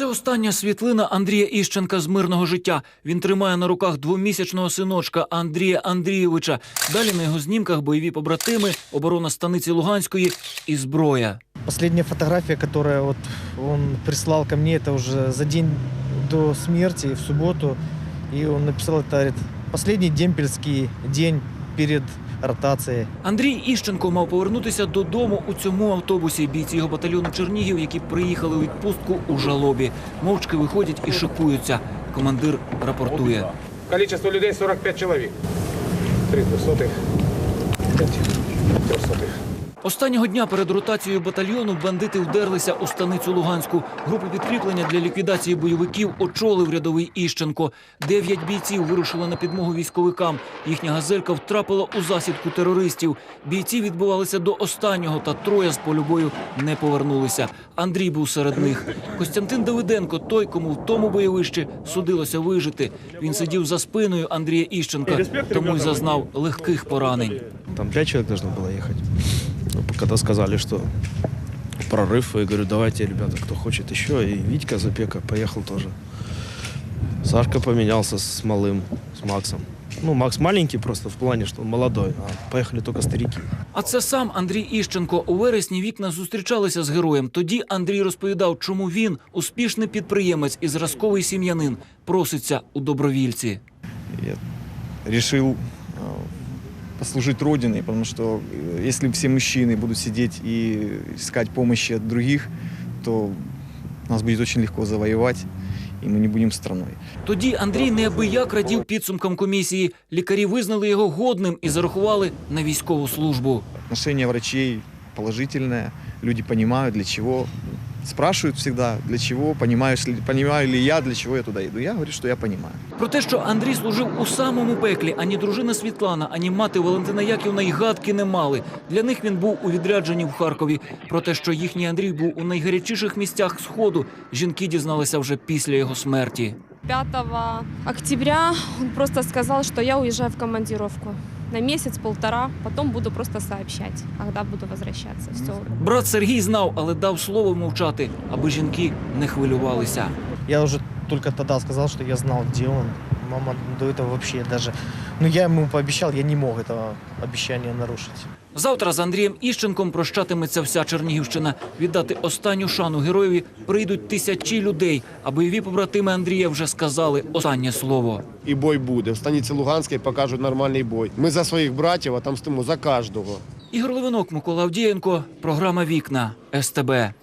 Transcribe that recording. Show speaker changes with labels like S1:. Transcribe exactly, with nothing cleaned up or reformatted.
S1: Це остання світлина Андрія Іщенка з мирного життя. Він тримає на руках двомісячного синочка Андрія Андрійовича. Далі на його знімках бойові побратими, оборона станиці Луганської і зброя.
S2: Последняя фотография, которую вот он прислал ко мне, это уже за день до смерти, в субботу. И он написал это, говорит, последний демпельский день перед ротацією.
S1: Андрій Іщенко мав повернутися додому у цьому автобусі. Бійці його батальйону Чернігів, які приїхали у відпустку у жалобі. Мовчки виходять і шикуються. Командир рапортує.
S3: Кількість людей сорок п'ять чоловік. Три двохсотих, п'ять трьохсотих.
S1: Останнього дня перед ротацією батальйону бандити вдерлися у станицю Луганську. Групу підкріплення для ліквідації бойовиків очолив рядовий Іщенко. Дев'ять бійців вирушили на підмогу військовикам. Їхня газелька втрапила у засідку терористів. Бійці відбувалися до останнього, та троє з полю бою не повернулися. Андрій був серед них. Костянтин Давиденко, той, кому в тому бойовищі судилося вижити. Він сидів за спиною Андрія Іщенка, тому й зазнав легких поранень.
S4: Там пять человек должно было ехать. Когда сказали, что прорыв, я говорю, давайте, ребята, кто хочет еще. И Витька Запека поехал тоже. Сашка поменялся с малым, с Максом. Ну, Макс маленький просто в плане, что он молодой, а поехали только старики.
S1: А це сам Андрій Іщенко. У вересні вікна зустрічалися з героєм. Тоді Андрій розповідав, чому він, успішний підприємець і зразковий сім'янин, проситься у добровільці.
S5: Я решил послужить Родине, потому что если все мужчины будут сидеть и искать помощи от других, то нас будет очень легко завоевать, і ми не будемо страною.
S1: Тоді Андрій неабияк радів підсумкам комісії. Лікарі визнали його годним і зарахували на військову службу.
S5: Отношение врачей положительное, люди понимают, для чего. Спрашивают всегда, для чего, понимаешь ли, понимаю ли я, для чего я туда иду. Я говорю, что я понимаю.
S1: Про те, що Андрій служив у самому пеклі, ані дружина Світлана, ані мати Валентина Яківна й гадки не мали. Для них він був у відрядженні в Харкові. Про те, що їхній Андрій був у найгарячіших місцях Сходу, жінки дізналися вже після його смерті.
S6: пятого октября он просто сказал, что я уезжаю в командировку на месяц-полтора, потом буду просто сообщать, когда буду возвращаться. Все.
S1: Брат Сергій знав, але дав слово мовчати, аби жінки не хвилювалися.
S2: Я уже только тогда сказал, что я знал, где он. Мама до этого вообще даже... Ну, я ему пообещал, я не мог этого обещания нарушить.
S1: Завтра з Андрієм Іщенком прощатиметься вся Чернігівщина. Віддати останню шану героєві прийдуть тисячі людей, а бойові побратими Андрія вже сказали останнє слово.
S7: І бой буде. В станиці Луганській покажуть нормальний бой. Ми за своїх братів, а там стоїмо за кожного.
S1: Ігор Левинок, Микола Авдієнко, програма «Вікна», ес те бе.